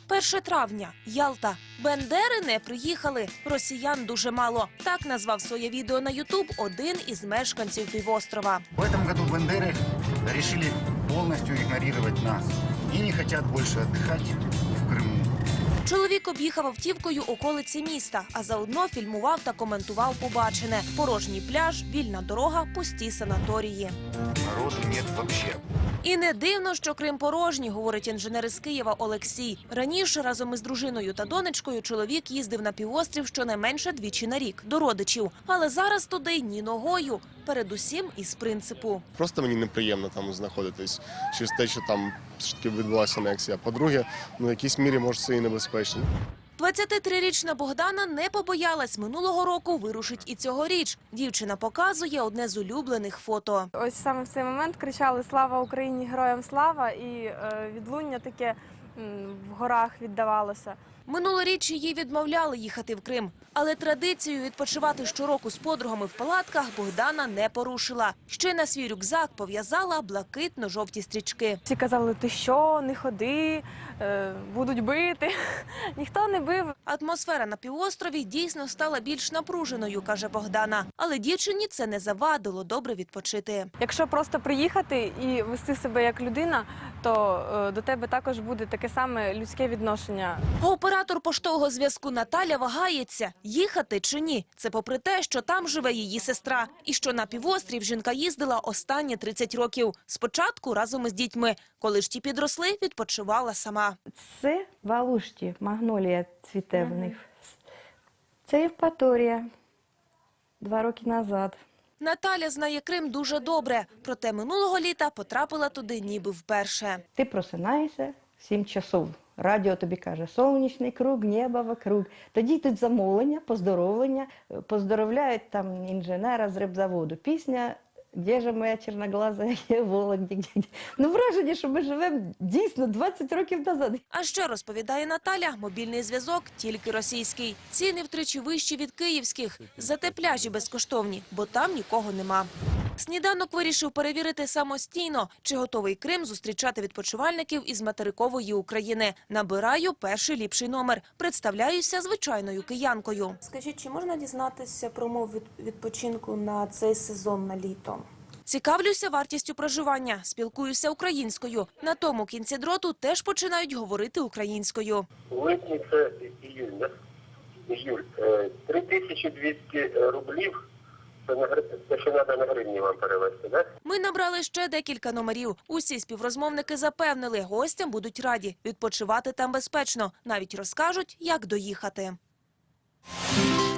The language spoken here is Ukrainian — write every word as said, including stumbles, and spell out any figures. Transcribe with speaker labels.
Speaker 1: перше травня. Ялта. Бендери не приїхали. Росіян дуже мало. Так назвав своє відео на Ютуб один із мешканців півострова.
Speaker 2: В этом году бандеры решили полностью игнорировать нас и не хотят больше отдыхать в Крыму.
Speaker 1: Чоловік об'їхав автівкою околиці міста, а заодно фільмував та коментував побачене. Порожній пляж, вільна дорога, пусті санаторії.
Speaker 2: Народу нет вообще.
Speaker 1: І не дивно, що Крим порожній, говорить інженер із Києва Олексій. Раніше разом із дружиною та донечкою чоловік їздив на півострів щонайменше двічі на рік до родичів. Але зараз туди ні ногою. Передусім із принципу.
Speaker 3: Просто мені неприємно там знаходитись через те, що там все-таки відбулася анексія. По-друге, ну в якійсь мірі може це і небезпечно.
Speaker 1: двадцятитрирічна Богдана не побоялась минулого року, вирушить і цьогоріч. Дівчина показує одне з улюблених фото.
Speaker 4: Ось саме в цей момент кричали «Слава Україні! Героям слава!» і е, відлуння таке м, в горах віддавалося.
Speaker 1: Минулоріч їй відмовляли їхати в Крим. Але традицію відпочивати щороку з подругами в палатках Богдана не порушила. Ще на свій рюкзак пов'язала блакитно-жовті стрічки.
Speaker 4: Всі казали «Ти що? Не ходи, е, будуть бити». Ніхто не бив.
Speaker 1: Атмосфера на півострові дійсно стала більш напруженою, каже Богдана. Але дівчині це не завадило добре відпочити.
Speaker 4: Якщо просто приїхати і вести себе як людина, то е, до тебе також буде таке саме людське відношення.
Speaker 1: А оператор поштового зв'язку Наталя вагається – їхати чи ні. Це попри те, що там живе її сестра. І що на півострів жінка їздила останні тридцять років. Спочатку разом із дітьми. Коли ж ті підросли, відпочивала сама.
Speaker 5: Це в Алушті, магнолія цвіте в них. Це Євпаторія, два роки назад.
Speaker 1: Наталя знає Крим дуже добре. Проте минулого літа потрапила туди ніби вперше.
Speaker 5: Ти просинаєшся в сім часов. Радіо тобі каже, сонячний круг, небо вокруг. Тоді йдуть замовлення, поздоровлення, поздоровляють там інженера з рибзаводу. Пісня «Де ж моя чорноглаза, є Вологді». Ну, враження, що ми живемо дійсно двадцять років назад.
Speaker 1: А ще, розповідає Наталя, мобільний зв'язок тільки російський. Ціни втричі вищі від київських. Зате пляжі безкоштовні, бо там нікого нема. Сніданок вирішив перевірити самостійно, чи готовий Крим зустрічати відпочивальників із материкової України. Набираю перший ліпший номер. Представляюся звичайною киянкою.
Speaker 6: Скажіть, чи можна дізнатися про умови від- відпочинку на цей сезон, на літо?
Speaker 1: Цікавлюся вартістю проживання, спілкуюся українською. На тому кінці дроту теж починають говорити українською.
Speaker 7: В липні це іюль, да? Іюль. Е, три тисячі двісті рублів. Це, на, гри- це ще треба на гривні вам перевести, так?
Speaker 1: Ми набрали ще декілька номерів. Усі співрозмовники запевнили, гостям будуть раді. Відпочивати там безпечно. Навіть розкажуть, як доїхати.